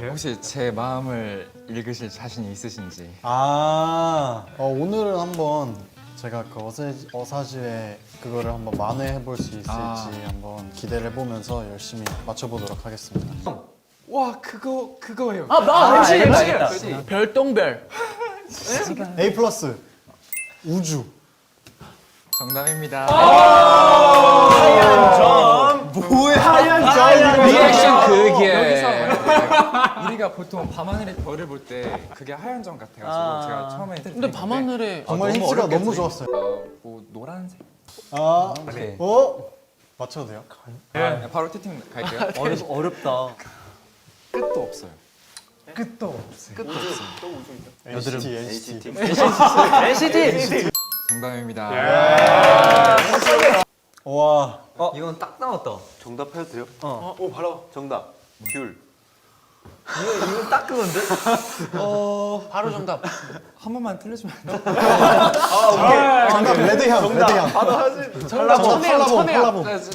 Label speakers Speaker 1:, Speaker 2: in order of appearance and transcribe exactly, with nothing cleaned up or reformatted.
Speaker 1: 혹시 제 마음을 읽으실 자신이 있으신지?
Speaker 2: 아 어, 오늘은 한번 제가 그 어사지, 어사지의 그거를 한번 만회해 볼 수 있을지
Speaker 1: 아.
Speaker 2: 한번 기대를 해보면서 열심히 맞춰보도록 하겠습니다.
Speaker 1: 와 그거 그거예요.
Speaker 3: 아, 나 엠씨,
Speaker 4: 알겠다,
Speaker 3: 엠씨.
Speaker 4: 알겠다.
Speaker 3: 별똥별.
Speaker 2: A 플러스 우주.
Speaker 1: 정답입니다. 리액션 그게 우리가 보통 밤하늘의 별을 볼 때 그게 하얀 점 같아가지고
Speaker 4: 아.
Speaker 1: 제가 처음에
Speaker 3: 근데 밤하늘에
Speaker 2: 정말
Speaker 1: 너무
Speaker 2: 힌트가
Speaker 1: 어렵겠지?
Speaker 2: 너무 좋았어요.
Speaker 1: 어, 뭐 노란색.
Speaker 2: 아,
Speaker 4: 오케이.
Speaker 2: 어? 맞춰도 돼요?
Speaker 1: 네, 바로 티팅 갈게요.
Speaker 4: 어렵, 어렵다.
Speaker 1: 끝도 없어요.
Speaker 2: 엔시티, 엔시티.
Speaker 4: 엔시티!
Speaker 5: 정답입니다.
Speaker 2: 와,
Speaker 4: 어, 이건 딱 나왔다.
Speaker 6: 정답 해도 돼요?
Speaker 4: 어.
Speaker 6: 오 바로 정답 귤.
Speaker 4: 이거, 이건 딱 그건데?
Speaker 3: 바로 정답.
Speaker 1: 한 번만 틀려주면 안 돼요?
Speaker 2: 정답 레드향, 레드향.
Speaker 6: 바로 하지.
Speaker 2: 정답
Speaker 3: 천혜향,
Speaker 2: 팔라봉,
Speaker 3: 천혜향.
Speaker 2: 팔라봉.